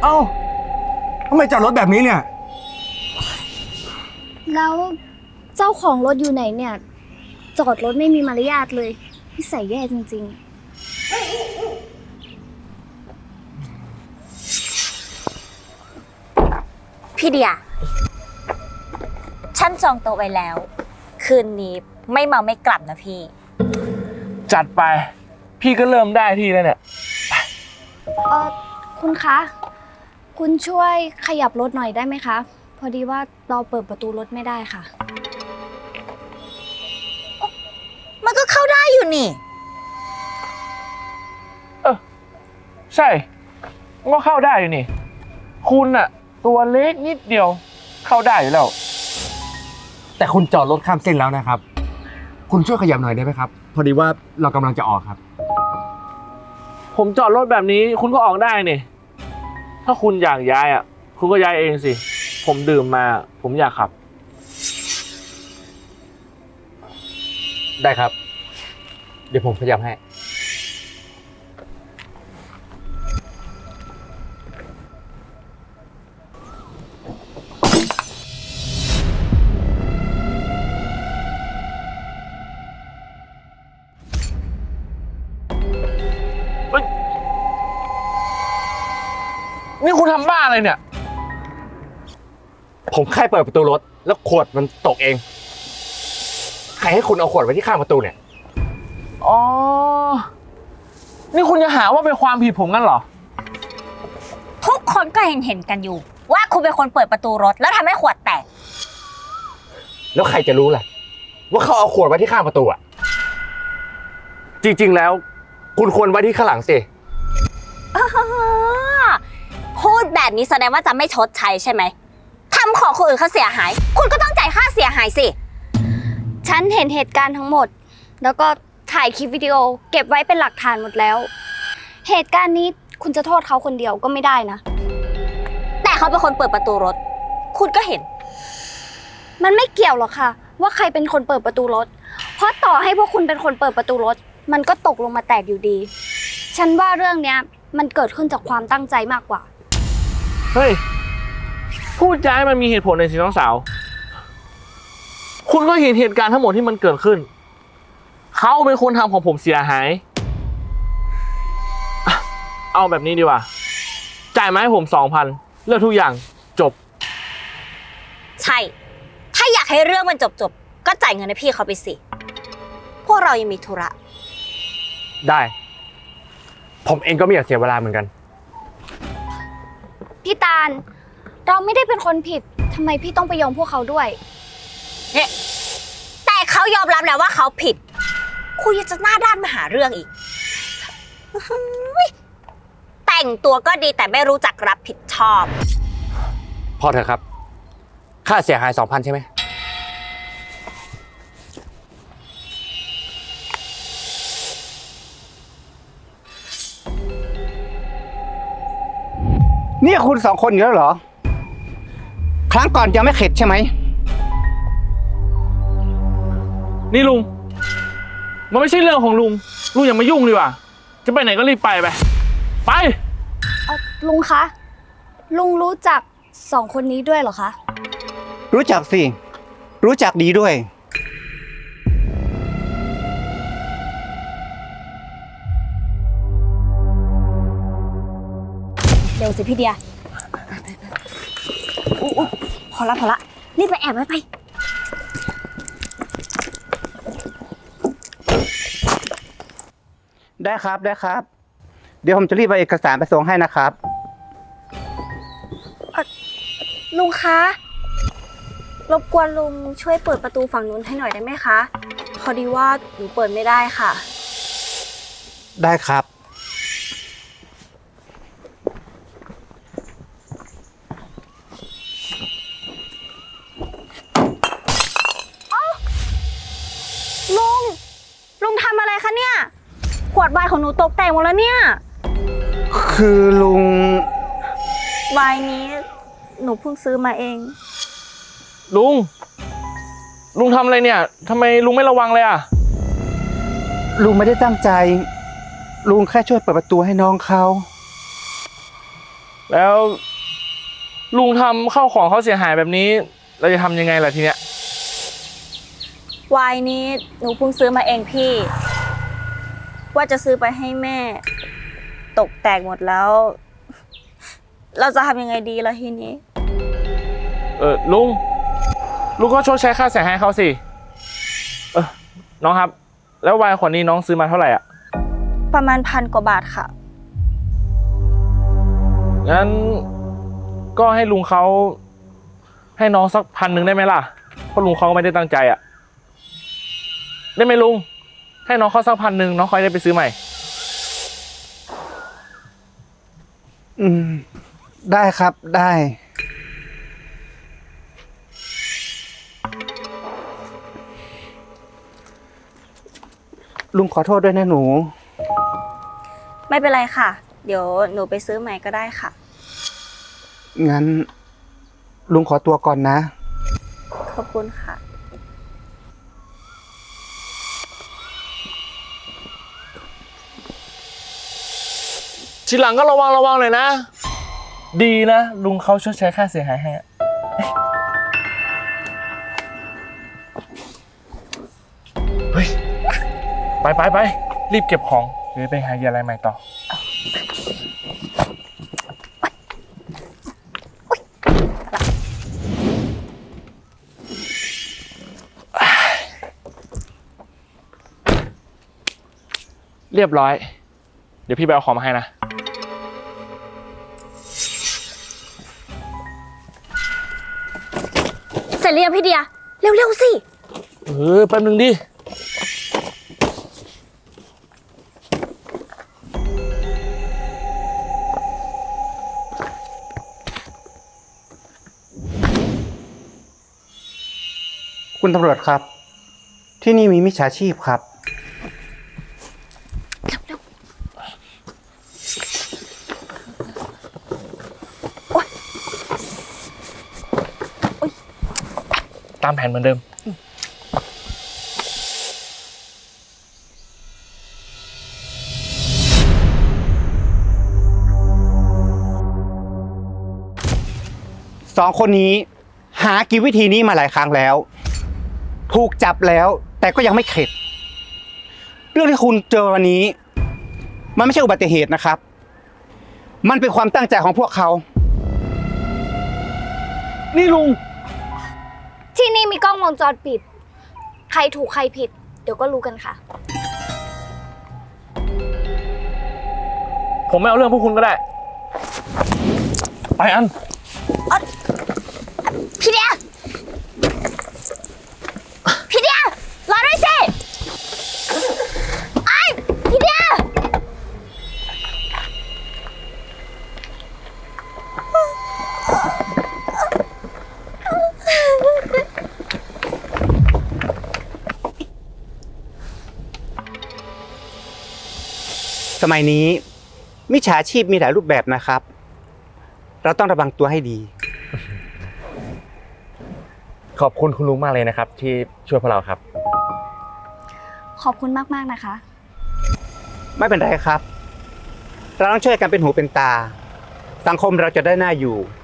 าทำไมจอดรถแบบนี้เนี่ยแล้วเจ้าของรถอยู่ไหนเนี่ยจอดรถไม่มีมารยาทเลยนิสัยแย่จริงพี่เดียฉันจองโต๊ะไว้แล้ว คืนนี้ไม่เมาไม่กลับนะพี่จัดไปพี่ก็เริ่มได้ที่แล้วเนี่ยคุณคะคุณช่วยขยับรถหน่อยได้ไหมคะพอดีว่าเราเปิดประตูรถไม่ได้ค่ะมันก็เข้าได้อยู่นี่ใช่ก็เข้าได้อยู่นี่คุณอะตัวเล็กนิดเดียวเข้าได้อยู่แล้วแต่คุณจอดรถข้ามเส้นแล้วนะครับ คุณช่วยขยับหน่อยได้ไหมครับ พอดีว่าเรากำลังจะออกครับผมจอดรถแบบนี้คุณก็ออกได้นี่ถ้าคุณอยากย้ายอ่ะคุณก็ย้ายเองสิผมดื่มมาผมอยากขับได้ครับ เดี๋ยวผมขยับให้นี่คุณทำบ้าอะไรเนี่ยผมแค่เปิดประตูรถแล้วขวดมันตกเอง ใครให้คุณเอาขวดไว้ที่ข้างประตูเนี่ยอ๋อนี่คุณจะหาว่าเป็นความผิดผมงั้นเหรอทุกคนก็เห็นกันอยู่ ว่าคุณเป็นคนเปิดประตูรถแล้วทำให้ขวดแตกแล้วใครจะรู้ล่ะว่าเขาเอาขวดไว้ที่ข้างประตูอ่ะ จริงๆแล้วคุณควรไว้ที่ข้างหลังสิพูดแบบนี้แสดงว่าจะไม่ชดใช้ใช่ไหมทำของคนอื่นเขาเสียหาย คุณก็ต้องจ่ายค่าเสียหายสิฉันเห็นเหตุการณ์ทั้งหมด แล้วก็ถ่ายคลิปวิดีโอเก็บไว้เป็นหลักฐานหมดแล้ว เหตุการณ์นี้คุณจะโทษเขาคนเดียวก็ไม่ได้นะแต่เขาเป็นคนเปิดประตูรถ คุณก็เห็นมันไม่เกี่ยวหรอกค่ะ ว่าใครเป็นคนเปิดประตูรถ เพราะต่อให้พวกคุณเป็นคนเปิดประตูรถ มันก็ตกลงมาแตกอยู่ดี ฉันว่าเรื่องเนี้ยมันเกิดขึ้นจากความตั้งใจมากกว่าเฮ้ยพูดจาให้มันมีเหตุผลในอยสิน้องสาวคุณก็เห็นเหตุการณ์ทั้งหมดที่มันเกิดขึ้นเขาเป็นคนทำของผมเสียหายอ่ะเอาแบบนี้ดีกว่าจ่ายมาให้ผม 2,000เรื่องทุกอย่างจบใช่ ถ้าอยากให้เรื่องมันจบก็จ่ายเงินให้พี่เขาไปสิ พวกเรายังมีธุระได้ ผมเองก็ไม่อยากเสียเวลาเหมือนกันพี่ตาล เราไม่ได้เป็นคนผิดทำไมพี่ต้องไปยอมพวกเขาด้วยเนี่ยแต่เขายอมรับแล้วว่าเขาผิด คุณยังจะหน้าด้านมาหาเรื่องอีก แต่งตัวก็ดีแต่ไม่รู้จักรับผิดชอบพอเถอะครับ ค่าเสียหาย 2,000 ใช่ไหมนี่คุณสองคนอยู่แล้วเหรอ ครั้งก่อนยังไม่เข็ดใช่ไหมนี่ลุงมันไม่ใช่เรื่องของลุงอย่ามายุ่งดีกว่าจะไปไหนก็รีบไปไปลุงคะ ลุงรู้จักสองคนนี้ด้วยเหรอคะรู้จักสิ รู้จักดีด้วยเร็วสิพี่เดียอุ๊ยพอละรีบไปแอบไว้ไปได้ครับ ได้ครับ เดี๋ยวผมจะรีบเอาเอกสารไปส่งให้นะครับลุงคะ รบกวนลุงช่วยเปิดประตูฝั่งนู้นให้หน่อยได้ไหมคะ พอดีว่าหนูเปิดไม่ได้ค่ะได้ครับลุงทำอะไรคะเนี่ย ขวดไวน์ของหนูตกแตกหมดแล้วเนี่ยคือลุงไวน์นี้หนูเพิ่งซื้อมาเองลุงทำอะไรเนี่ยทำไมลุงไม่ระวังเลยอ่ะลุงไม่ได้ตั้งใจ ลุงแค่ช่วยเปิดประตูให้น้องเขาแล้วลุงทำข้าวของเขาเสียหายแบบนี้ เราจะทำยังไงล่ะทีเนี้ยไวน์นี้หนูเพิ่งซื้อมาเองพี่ ว่าจะซื้อไปให้แม่ ตกแตกหมดแล้ว เราจะทำยังไงดีล่ะทีนี้ลุงก็ชดใช้ค่าเสียหายเขาสิน้องครับ แล้วไวน์ขวดนี้น้องซื้อมาเท่าไหร่อ่ะประมาณ1,000 กว่าบาทค่ะงั้นก็ให้ลุงเขาให้น้องสัก1,000ได้ไหมล่ะ เพราะลุงเขาก็ไม่ได้ตั้งใจอ่ะ ได้ไหมลุง ให้น้องเขาสัก1,000น้องค่อยได้ไปซื้อใหม่ได้ครับได้ ลุงขอโทษด้วยนะหนูไม่เป็นไรค่ะ เดี๋ยวหนูไปซื้อใหม่ก็ได้ค่ะงั้น ลุงขอตัวก่อนนะขอบคุณค่ะทีหลังก็ระวังหน่อยนะ ดีนะลุงเขาชดใช้ค่าเสียหายให้อะเฮ้ย ไปรีบเก็บของเดี๋ยวไปหาเหยื่ออะไรใหม่ต่อ เรียบร้อย เดี๋ยวพี่ไปเอาของมาให้นะเสร็จหรือยังพี่เดีย เร็วๆสิแป๊บนึงดิคุณตำรวจครับ ที่นี่มีมิจฉาชีพครับตามแผนเหมือนเดิม 2 คนนี้หากินวิธีนี้มาหลายครั้งแล้ว ถูกจับแล้วแต่ก็ยังไม่เข็ด เรื่องที่คุณเจอวันนี้ มันไม่ใช่อุบัติเหตุนะครับ มันเป็นความตั้งใจของพวกเขานี่ลุงที่นี่มีกล้องวงจรปิด ใครถูกใครผิด เดี๋ยวก็รู้กันค่ะผมไม่เอาเรื่องพวกคุณก็ได้ ไปอันพี่เดีย พี่เดีย รอด้วยสิไอ้พี่เดียสมัยนี้มิจฉาชีพมีหลายรูปแบบนะครับ เราต้องระวังตัวให้ดีขอบคุณคุณลุงมากเลยนะครับ ที่ช่วยพวกเราครับขอบคุณมากๆนะคะไม่เป็นไรครับ เราต้องช่วยกันเป็นหูเป็นตา สังคมเราจะได้น่าอยู่